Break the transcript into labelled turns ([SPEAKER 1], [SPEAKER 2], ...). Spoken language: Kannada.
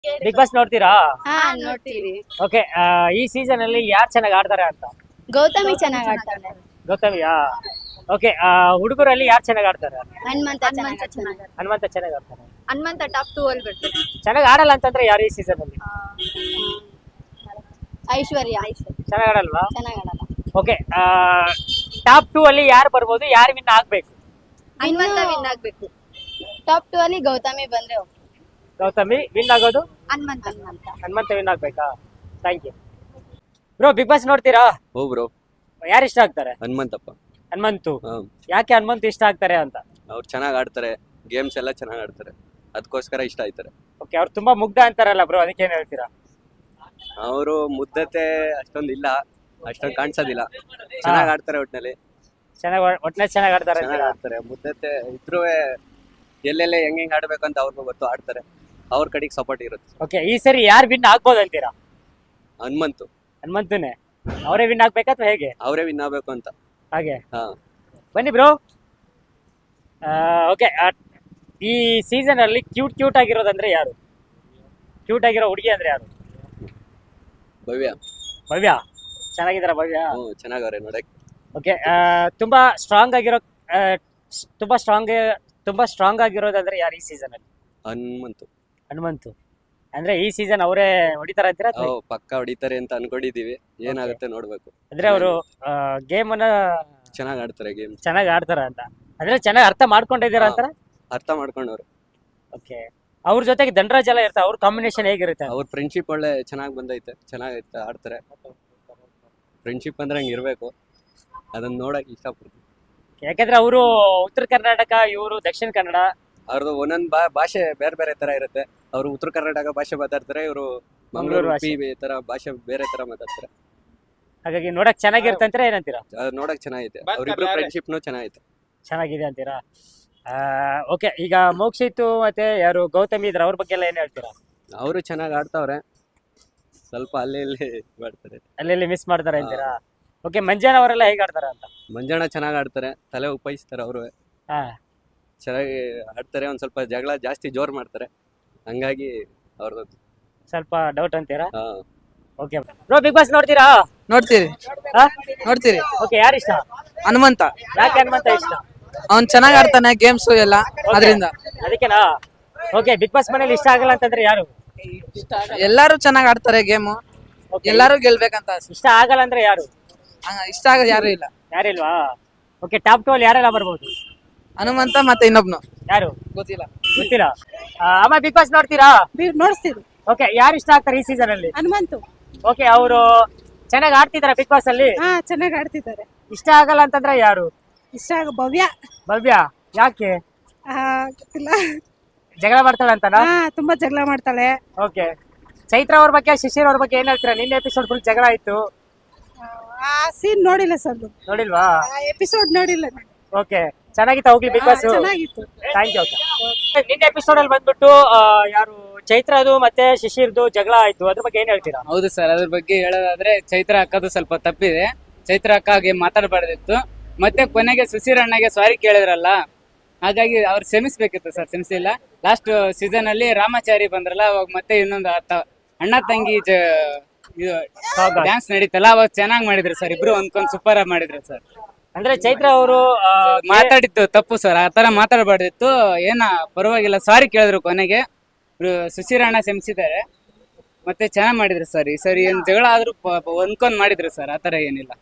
[SPEAKER 1] ಬಿಗ್ ಬಾಸ್ ನೋಡ್ತೀರಾ?
[SPEAKER 2] ಹಾ ನೋಡ್ತೀವಿ.
[SPEAKER 1] ಓಕೆ, ಈ ಸೀಸನ್ ಅಲ್ಲಿ ಯಾರು ಚೆನ್ನಾಗಿ ಆಡ್ತಾರೆ ಅಂತ?
[SPEAKER 2] ಗೌತಮಿ ಚೆನ್ನಾಗ್ ಆಡ್ತಾಳೆ.
[SPEAKER 1] ಗೌತಮಿಯಾ? ಓಕೆ, ಹುಡುಗರಲ್ಲಿ ಯಾರು ಚೆನ್ನಾಗಿ ಆಡ್ತಾರೆ?
[SPEAKER 2] ಹನುಮಂತ
[SPEAKER 1] ಹನುಮಂತ ಚೆನ್ನಾಗಿ ಆಡ್ತಾರೆ.
[SPEAKER 2] ಹನುಮಂತ ಟಾಪ್ 2 ಅಲ್ಲಿ ಬರ್ತಾರೆ.
[SPEAKER 1] ಚೆನ್ನಾಗಿ ಆಡಲ್ಲ ಅಂತಂದ್ರೆ ಯಾರು ಈ ಸೀಸನ್ ಅಲ್ಲಿ?
[SPEAKER 2] ಐಶ್ವರ್ಯ
[SPEAKER 1] ಚೆನ್ನಾಗಿ ಆಡಲ್ವಾ?
[SPEAKER 2] ಚೆನ್ನಾಗ್ ಆಡಲ್ಲ.
[SPEAKER 1] ಓಕೆ, ಟಾಪ್ 2 ಅಲ್ಲಿ ಯಾರು ಬರ್ಬೋದು, ಯಾರು ವಿನ್ ಆಗ್ಬೇಕು?
[SPEAKER 2] ಹನುಮಂತ ವಿನ್ ಆಗ್ಬೇಕು. ಟಾಪ್ 2 ಅಲ್ಲಿ ಗೌತಮಿ ಬಂದ್ರೆ okay.
[SPEAKER 1] ಗೌತಮಿ ವಿನ್ ಆಗೋದು? ಹನುಮಂತ ವಿನ್ ಆಗ್ಬೇಕಾ? Thank you bro. Big boss ನೋಡ್ತೀರಾ?
[SPEAKER 3] ಓ ಬ್ರೋ,
[SPEAKER 1] ಯಾರು ಇಷ್ಟ ಆಗ್ತಾರೆ?
[SPEAKER 3] ಹನುಮಂತಪ್ಪ.
[SPEAKER 1] ಹನುಮಂತು. ಯಾಕೆ ಹನುಮಂತು ಇಷ್ಟ ಆಗ್ತಾರೆ ಅಂತ?
[SPEAKER 3] ಅವ್ರು ಚೆನ್ನಾಗಿ ಆಡ್ತಾರೆ, ಗೇಮ್ಸ್ ಎಲ್ಲ ಚೆನ್ನಾಗಿ ಆಡ್ತಾರೆ, ಅದಕ್ಕೋಸ್ಕರ ಇಷ್ಟ ಆಯ್ತಾರೆ.
[SPEAKER 1] ಓಕೆ, ಅವ್ರು ತುಂಬಾ ಮುಗ್ಧ ಅಂತಾರಲ್ಲ ಬ್ರೋ, ಅದಕ್ಕೆ ಏನ್ ಹೇಳ್ತೀರಾ?
[SPEAKER 3] ಅವರು ಮುದ್ದತೆ ಅಷ್ಟೊಂದು ಇಲ್ಲ, ಅಷ್ಟೊಂದು ಕಾಣಿಸೋದಿಲ್ಲ, ಚೆನ್ನಾಗಿ ಆಡ್ತಾರೆ. ಒಟ್ಟಿನಲ್ಲಿ
[SPEAKER 1] ಒಟ್ನಲ್ಲಿ ಚೆನ್ನಾಗಿ ಆಡ್ತಾರೆ
[SPEAKER 3] ಚೆನ್ನಾಗಿ ಆಡ್ತಾರೆ. ಮುದ್ದತೆ ಇದ್ರೂ ಎಲ್ಲೆಲ್ಲ ಹೆಂಗ್ ಆಡ್ಬೇಕು ಅಂತ ಅವ್ರಿಗೂ ಗೊತ್ತು, ಆಡ್ತಾರೆ. ಅವ್ರ ಕಡೆಗೆ ಸಪೋರ್ಟ್ ಇರುತ್ತೆ.
[SPEAKER 1] ಓಕೆ, ಈ ಸರಿ ಯಾರು ವಿನ್ ಆಗ್ಬೋದು ಅಂತೀರಾ?
[SPEAKER 3] ಹನುಮಂತು.
[SPEAKER 1] ಹನುಮಂತನೇ ಅವರೇ ವಿನ್ ಆಗ್ಬೇಕಾ ಅಥವಾ ಹೇಗೆ?
[SPEAKER 3] ಅವರೇ ವಿನ್ ಆಗ್ಬೇಕು ಅಂತ.
[SPEAKER 1] ಹಾಗೆ
[SPEAKER 3] ಹಾ,
[SPEAKER 1] ಬನ್ನಿ ಬ್ರೋ. ಓಕೆ, ಈ ಸೀಸನ್ ಅಲ್ಲಿ ಕ್ಯೂಟ್ ಆಗಿರೋದಂದ್ರೆ ಯಾರು? ಕ್ಯೂಟ್ ಆಗಿರೋ ಹುಡುಗಿ ಅಂದ್ರೆ ಯಾರು?
[SPEAKER 3] ಭವ್ಯ.
[SPEAKER 1] ಭವ್ಯ ಚೆನ್ನಾಗಿದಾರ? ಭವ್ಯ
[SPEAKER 3] ಚೆನ್ನಾಗವ್ರೆ ನೋಡಕ್.
[SPEAKER 1] ಓಕೆ, ತುಂಬಾ ಸ್ಟ್ರಾಂಗ್ ಆಗಿರೋ ತುಂಬಾ ಸ್ಟ್ರಾಂಗ್ ಆಗಿರೋದಂದ್ರೆ ಯಾರು ಈ ಸೀಸನ್ ಅಲ್ಲಿ?
[SPEAKER 3] ಹನುಮಂತು.
[SPEAKER 1] ಹನುಮಂತು ಅಂದ್ರೆ ಈ ಸೀಸನ್ ಅವರೇ ಹೊಡಿತಾರ ಅಂತೀರಾ?
[SPEAKER 3] ಪಕ್ಕ ಹೊಡಿತಾರೆ ಅಂತ ಅನ್ಕೊಂಡಿದೀವಿ, ಏನಾಗುತ್ತೆ ನೋಡ್ಬೇಕು.
[SPEAKER 1] ಅಂದ್ರೆ ಅವರು ಗೇಮ್ ಅನ್ನ
[SPEAKER 3] ಚೆನ್ನಾಗಿ ಆಡ್ತಾರೆ, ಗೇಮ್
[SPEAKER 1] ಚೆನ್ನಾಗಿ ಆಡ್ತಾರ ಅಂತ ಅಂದ್ರೆ ಚೆನ್ನಾಗಿ ಅರ್ಥ ಮಾಡ್ಕೊಂಡಿದ್ದೀರಾ ಅಂತಾರ?
[SPEAKER 3] ಅರ್ಥ ಮಾಡ್ಕೊಂಡವ್ರು.
[SPEAKER 1] ಓಕೆ, ಅವ್ರ ಜೊತೆಗೆ ಧನರಾಜ್ ಎಲ್ಲ ಇರ್ತಾರೆ, ಅವ್ರ ಕಾಂಬಿನೇಷನ್ ಹೇಗಿರುತ್ತೆ?
[SPEAKER 3] ಅವ್ರ ಫ್ರೆಂಡ್ಶಿಪ್ ಒಳ್ಳೆ ಚೆನ್ನಾಗಿ ಬಂದೈತೆ, ಚೆನ್ನಾಗೈತೆ, ಆಡ್ತಾರೆ. ಫ್ರೆಂಡ್ಶಿಪ್ ಅಂದ್ರೆ ಹಂಗೆ ಇರಬೇಕು, ಅದನ್ನ ನೋಡಕ್ ಇಷ್ಟಪಡ್ತೀನಿ.
[SPEAKER 1] ಯಾಕಂದ್ರೆ ಅವರು ಉತ್ತರ ಕರ್ನಾಟಕ, ಇವರು ದಕ್ಷಿಣ ಕನ್ನಡ,
[SPEAKER 3] ಅವ್ರದ್ದು ಒಂದೊಂದು ಭಾಷೆ ಬೇರೆ ಬೇರೆ ತರ ಇರುತ್ತೆ. ಅವರು ಉತ್ತರ ಕರ್ನಾಟಕ ಭಾಷೆ ಮಾತಾಡ್ತಾರೆ, ಇವರು ಮಂಗಳೂರು ತರ ಭಾಷೆ ಬೇರೆ ತರ ಮಾತಾಡ್ತಾರೆ.
[SPEAKER 1] ಹಾಗಾಗಿ ನೋಡಕ್ ಚೆನ್ನಾಗಿರುತ್ತೆ ಅಂತೀರಾ, ಏನಂತೀರಾ?
[SPEAKER 3] ಅದು ನೋಡಕ್ ಚೆನ್ನಾಗೈತೆ, ಅವ್ರಿಬ್ರು ಫ್ರೆಂಡ್ಶಿಪ್ನು ಚೆನ್ನಾಗೈತೆ.
[SPEAKER 1] ಚೆನ್ನಾಗಿದೆ ಅಂತೀರಾ? ಓಕೆ, ಈಗ ಮೋಕ್ಷಿತ್ತು ಮತ್ತೆ ಯಾರು ಗೌತಮಿ ಇದ್ರ, ಅವ್ರ ಬಗ್ಗೆ ಎಲ್ಲ ಏನ್ ಹೇಳ್ತೀರಾ?
[SPEAKER 3] ಅವರು ಚೆನ್ನಾಗಿ ಆಡ್ತಾವ್ರೆ, ಸ್ವಲ್ಪ ಅಲ್ಲಿ ಇಲ್ಲಿ ಮಾಡ್ತಾರೆ,
[SPEAKER 1] ಅಲ್ಲಿ ಮಿಸ್ ಮಾಡ್ತಾರೆ ಅಂತೀರಾ? ಓಕೆ, ಮಂಜಾನ ಅವರೆಲ್ಲ ಹೇಗೆ ಆಡ್ತಾರ ಅಂತ?
[SPEAKER 3] ಮಂಜಾಣ ಚೆನ್ನಾಗಿ ಆಡ್ತಾರೆ, ತಲೆ ಉಪಾಯಿಸ್ತಾರೆ, ಅವರು ಚೆನ್ನಾಗಿ ಆಡ್ತಾರೆ. ಒಂದ್ ಸ್ವಲ್ಪ ಜಗಳ ಜಾಸ್ತಿ ಜೋರ್ ಮಾಡ್ತಾರೆ, ಹಂಗಾಗಿ ಅವ್ರದ್ದು
[SPEAKER 1] ಸ್ವಲ್ಪ ಡೌಟ್ ಅಂತೀರಾ? ಓಕೆ ಬ್ರೋ, ಬಿಗ್ ಬಾಸ್ ನೋಡ್ತೀರಾ?
[SPEAKER 4] ನೋಡ್ತೀರಿ.
[SPEAKER 1] ಓಕೆ, ಯಾರು ಇಷ್ಟ?
[SPEAKER 4] ಹನುಮಂತ.
[SPEAKER 1] ಯಾಕೆ ಹನುಮಂತ ಇಷ್ಟ?
[SPEAKER 4] ಅವ್ನ್ ಚೆನ್ನಾಗ್ ಆಡ್ತಾನೆ ಗೇಮ್ಸ್ ಎಲ್ಲ, ಅದರಿಂದ
[SPEAKER 1] ಅದಕ್ಕೆನಾ? ಓಕೆ, ಬಿಗ್ ಬಾಸ್ ಮನೇಲಿ ಇಷ್ಟ ಆಗಲ್ಲ ಅಂತಂದ್ರೆ ಯಾರು?
[SPEAKER 4] ಎಲ್ಲಾರು ಚೆನ್ನಾಗ್ ಆಡ್ತಾರೆ ಗೇಮು, ಎಲ್ಲಾರು ಗೆಲ್ಬೇಕಂತ ಆಸೆ.
[SPEAKER 1] ಇಷ್ಟ ಆಗಲ್ಲ ಅಂದ್ರೆ ಯಾರು?
[SPEAKER 4] ಇಷ್ಟ ಆಗೋದು ಯಾರು ಇಲ್ಲ.
[SPEAKER 1] ಯಾರಿಲ್ವಾ? ಓಕೆ, ಟಾಪ್ 2 ಅಲ್ಲಿ ಯಾರೆಲ್ಲ ಬರ್ಬೋದು?
[SPEAKER 4] ಹನುಮಂತ ಮತ್ತೆ ಇನ್ನೊಬ್ನು
[SPEAKER 1] ಯಾರು
[SPEAKER 4] ಗೊತ್ತಿಲ್ಲ.
[SPEAKER 1] ಅಮ್ಮ, ಬಿಗ್ ಬಾಸ್ ನೋಡ್ತೀರಾ?
[SPEAKER 5] ನೋಡ್ತೀವಿ.
[SPEAKER 1] ಓಕೆ, ಯಾರು ಇಷ್ಟ ಆಗ್ತಾರೆ ಈ ಸೀಸನ್ ಅಲ್ಲಿ?
[SPEAKER 5] ಹನುಮಂತು.
[SPEAKER 1] ಓಕೆ, ಅವರು ಚೆನ್ನಾಗಿ ಆಡ್ತಿದಾರ ಬಿಗ್ ಬಾಸ್ ಅಲ್ಲಿ?
[SPEAKER 5] ಹಾ, ಚೆನ್ನಾಗಿ ಆಡ್ತಿದ್ದಾರೆ.
[SPEAKER 1] ಇಷ್ಟ ಆಗಲ್ಲ ಅಂತಂದ್ರೆ ಯಾರು?
[SPEAKER 5] ಇಷ್ಟ ಭವ್ಯ.
[SPEAKER 1] ಭವ್ಯ ಯಾಕೆ?
[SPEAKER 5] ಗೊತ್ತಿಲ್ಲ.
[SPEAKER 1] ಜಗಳ ಮಾಡ್ತಾಳೆ ಅಂತನಾ?
[SPEAKER 5] ತುಂಬಾ ಜಗಳ ಮಾಡ್ತಾಳೆ.
[SPEAKER 1] ಓಕೆ, ಚೈತ್ರ ಅವ್ರ ಬಗ್ಗೆ, ಶಿಶಿರ್ ಅವ್ರ ಬಗ್ಗೆ ಏನ್ ಹೇಳ್ತೀರಾ? ನಿನ್ನೆ ಎಪಿಸೋಡ್ ಫುಲ್ ಜಗಳ ಆಯ್ತು.
[SPEAKER 5] ಆ ಸೀನ್ ನೋಡಿಲ್ಲ ಸರ್.
[SPEAKER 1] ನೋಡಿಲ್ವಾ?
[SPEAKER 5] ಎಪಿಸೋಡ್ ನೋಡಿಲ್ಲ.
[SPEAKER 1] ಓಕೆ, ಚೆನ್ನಾಗಿತ್ತು ಹೋಗ್ಲಿ ಬಿಗ್ ಬಾಸ್?
[SPEAKER 5] ಚೆನ್ನಾಗಿತ್ತು.
[SPEAKER 1] Thank you. ನಿನ್ನೆ ಎಪಿಸೋಡ್ ಅಲ್ಲಿ ಬಂದ್ಬಿಟ್ಟು ಯಾರು ಚೈತ್ರದು ಮತ್ತೆ ಶಿಶಿರ್ದು ಜಗಳ ಆಯ್ತು, ಅದ್ರ ಬಗ್ಗೆ ಏನ್ ಹೇಳ್ತೀರಾ?
[SPEAKER 6] ಹೌದು ಸರ್, ಅದ್ರ ಬಗ್ಗೆ ಹೇಳೋದಾದ್ರೆ ಚೈತ್ರ ಅಕ್ಕದು ಸ್ವಲ್ಪ ತಪ್ಪಿದೆ. ಚೈತ್ರ ಅಕ್ಕಗೆ ಮಾತಾಡಬಾರ್ದಿತ್ತು. ಮತ್ತೆ ಕೊನೆಗೆ ಸುಶೀರ್ ಅಣ್ಣಗೆ ಸಾರಿ ಕೇಳಿದ್ರಲ್ಲ, ಹಾಗಾಗಿ ಅವ್ರು ಕ್ಷಮಿಸ್ಬೇಕಿತ್ತು ಸರ್, ಕ್ಷಮಿಸಿಲ್ಲ. ಲಾಸ್ಟ್ ಸೀಸನ್ ಅಲ್ಲಿ ರಾಮಾಚಾರಿ ಬಂದ್ರಲ್ಲ, ಅವಾಗ ಮತ್ತೆ ಇನ್ನೊಂದು ಅಣ್ಣ ತಂಗಿ ಡ್ಯಾನ್ಸ್ ನಡೀತಲ್ಲ, ಅವಾಗ ಚೆನ್ನಾಗಿ ಮಾಡಿದ್ರು ಸರ್, ಇಬ್ರು ಒಂದ್ಕೊಂಡ್ ಸೂಪರ್ ಆಗಿ ಮಾಡಿದ್ರು ಸರ್.
[SPEAKER 1] ಅಂದ್ರೆ ಚೈತ್ರ ಅವರು
[SPEAKER 6] ಮಾತಾಡಿತ್ತು ತಪ್ಪು ಸರ್, ಆತರ ಮಾತಾಡಬಾರ್ದಿತ್ತು. ಏನ ಪರವಾಗಿಲ್ಲ, ಸಾರಿ ಕೇಳಿದ್ರು ಕೊನೆಗೆ. ಸುಶೀರ್ ಅಣ್ಣ ಕ್ಷಮಿಸಿದ್ದಾರೆ, ಮತ್ತೆ ಚೆನ್ನಾಗಿ ಮಾಡಿದ್ರು ಸರ್. ಈ ಸರಿ ಏನ್ ಜಗಳ ಆದ್ರೂ ಹೊಂದ್ಕೊಂಡ್ ಮಾಡಿದ್ರು ಸರ್, ಆತರ ಏನಿಲ್ಲ.